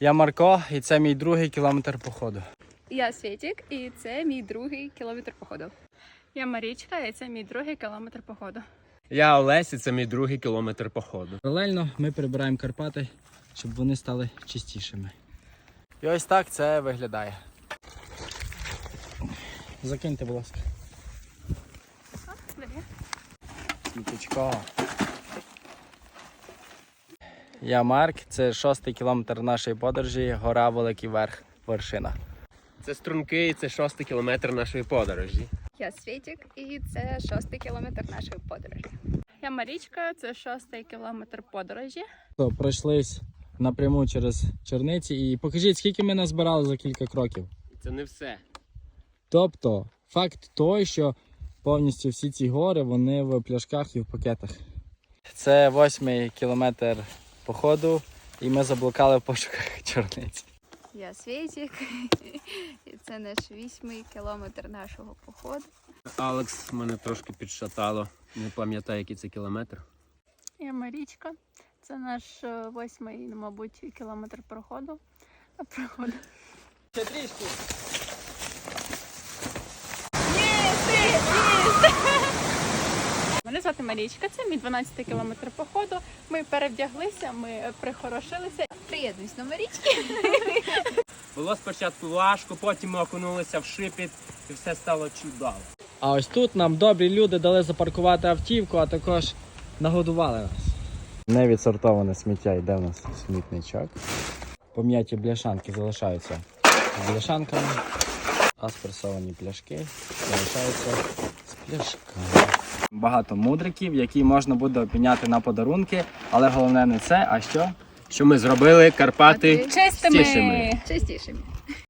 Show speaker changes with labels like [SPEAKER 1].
[SPEAKER 1] Я Марко, і це мій другий кілометр походу.
[SPEAKER 2] Я Світік, і це мій другий кілометр походу.
[SPEAKER 3] Я Марічка, і це мій другий кілометр походу.
[SPEAKER 4] Я Олесь, і це мій другий кілометр походу.
[SPEAKER 1] Паралельно ми прибираємо Карпати, щоб вони стали чистішими. І ось так це виглядає. Закиньте, будь ласка. Сміточко. Я Марк, це 6-й кілометр нашої подорожі, гора Великий Верх, вершина.
[SPEAKER 4] Це струнки, це 6-й кілометр нашої подорожі.
[SPEAKER 2] Я Світік, і це 6-й кілометр нашої подорожі.
[SPEAKER 3] Я Марічка, це 6-й кілометр подорожі.
[SPEAKER 1] Пройшлись напряму через Черниці і покажіть, скільки ми назбирали за кілька кроків.
[SPEAKER 4] Це не все.
[SPEAKER 1] Тобто, факт той, що повністю всі ці гори, вони в пляшках і в пакетах. Це 8-й кілометр походу, і ми заблукали в пошуках Черниці.
[SPEAKER 2] Я Світік, і це наш 8-й кілометр нашого походу.
[SPEAKER 4] Алекс мене трошки підшатало. Не пам'ятаю, який це кілометр.
[SPEAKER 3] Я Марічка, це наш 8-й, мабуть, кілометр проходу.
[SPEAKER 1] Ще трішки.
[SPEAKER 3] Мене звати Марічка, це мій 12-й кілометр походу. Ми перевдяглися, ми прихорошилися.
[SPEAKER 2] Приєднуюсь до Марічки.
[SPEAKER 4] Було спочатку важко, потім ми окунулися в шипіт і все стало чудово.
[SPEAKER 1] А ось тут нам добрі люди дали запаркувати автівку, а також нагодували нас. Невідсортоване сміття йде в нас смітничок. Пом'яті бляшанки залишаються з бляшанками, а спресовані пляшки залишаються з пляшками. Багато мудриків, які можна буде обміняти на подарунки, але головне не це, а що?
[SPEAKER 4] Що ми зробили Карпати
[SPEAKER 2] Чистими.
[SPEAKER 4] чистішими.
[SPEAKER 2] Чистішими.